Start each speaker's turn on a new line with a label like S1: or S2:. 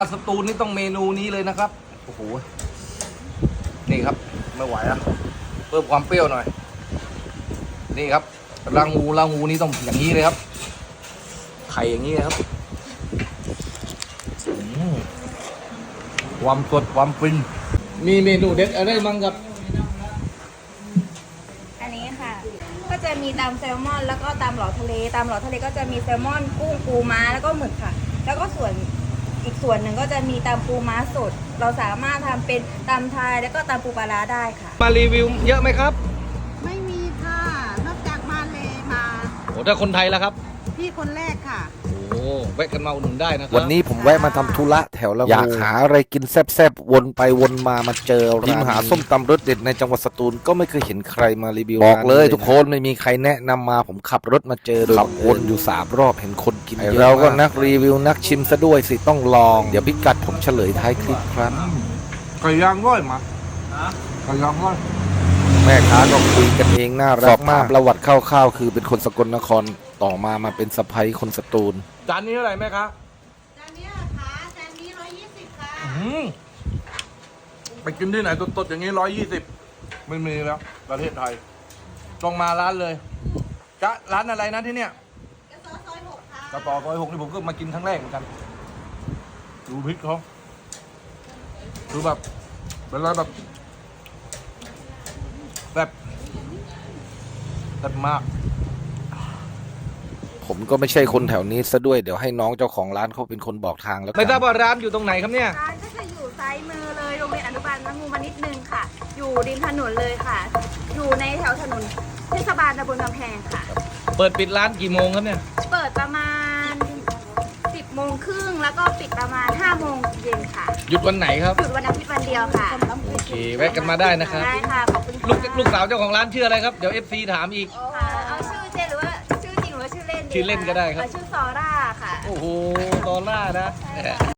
S1: สตูลนี่ต้องเมนูนี้เลยนะครับโอ้โหนี่ครับไม่ไหวอะเพิ่มความเปรี้ยวหน่อยนี่ครับรางูนี่ต้องอย่างนี้เลยครับไข่อย่างนี้ครับความสดความฟินมีเมนูเด็ดอะไรบ้างครับ
S2: อันนี้ค่ะก็จะมีตำแซลมอนแล้วก็ตำหลอดทะเลตำหลอดทะเลก็จะมีแซลมอนกุ้งปูม้าแล้วก็หมึกค่ะแล้วก็อีกส่วนหนึ่งก็จะมีตำปูม้าสดเราสามารถทำเป็นตำไทยแล้วก็ตำปูปลาร้าได้ค่ะ
S1: มารีวิวเยอะไหมครับ
S3: ไม่มีค่ะนอกจากมาเลยมา
S1: โอ้ถ้าคนไทยแล้วครับ
S3: พี่คนแรกค่ะ
S1: โอ้แวะกันมาอุดหนุนได้นะครับ
S4: วันนี้ผมแวะมาทำธุระแถวละอยากหาอะไรกินแซ่บๆวนไปวนมาเจอร้านหาส้มตำรสเด็ดในจังหวัดสตูลก็ไม่เคยเห็นใครมารีวิวบอกเลยทุกคนไม่มีใครแนะนำมาผมขับรถมาเจอขับวนอยู่3 รอบเห็นคนกินเยอะเราก็นักรีวิวนักชิมซะด้วยสิต้องลองเดี๋ยวพิกัดผมเฉลยท้ายคลิปครับ
S1: ไก่ย่างร้อยมาไก่ย่างร้อย
S4: แม่ค้าก็คุยกันเองน่ารักมากประวัติคร่าวๆคือเป็นคนสกลนครต่อมาเป็นสะใภ้คนสตูล
S1: จานนี้เท่าไหร่แม่ครับ
S3: จานนี้ค่ะจานนี้120ค่ะ
S1: ไปกินที่ไหนตดๆอย่างนี้120ไม่มีแล้วประเทศไทยต้องมาร้านเลยจะร้านอะไรนะที่เนี่ย
S3: กระสอซอย6ค่ะ
S1: กระต่อซอย6นี่ผมก็มากินครั้งแรกเหมือนกันดูพริกเขาดูแบบเป็นอะไรแบบมาก
S4: ผมก็ไม่ใช่คนแถวนี้ซะด้วยเดี๋ยวให้น้องเจ้าของร้านเขาเป็นคนบอกทางแล้ว
S1: ไม่ทราบว่าร้านอยู่ตรงไหนครับเนี่ย
S2: ร้านก็จะอยู่ซ้ายมือเลยโรงเรียนอนุบาลละงูมานิดนึงค่ะ อยู่ริมถนนเลยค่ะ อยู่ในแถวถนนเทศบาลตำบลกำแพงค่ะ
S1: เปิดปิดร้านกี่โมงครับเนี่ย
S2: เปิดประมาณ10 โมงครึ่งแล้วก็ปิดประมาณ5 โมงเย็นค่ะ
S1: หยุดวันไหนครับ
S2: หยุดวันอาทิตย์วันเดียวค่ะ
S1: โอเคแวะกันมาได้นะครับ
S2: ได้ค่ะขอบคุณ
S1: ลูกสาวเจ้าของร้านชื่ออะไรครับเดี๋ยว FC ถามอีก
S2: เอาชื่อเจหรือว่าชื่อจริงหรือว่าชื่อเล่น
S1: ชื่อเล่นก็ได้ครับ
S2: ชื่อซอร่าค่ะ
S1: โอ้โหซอร่านะ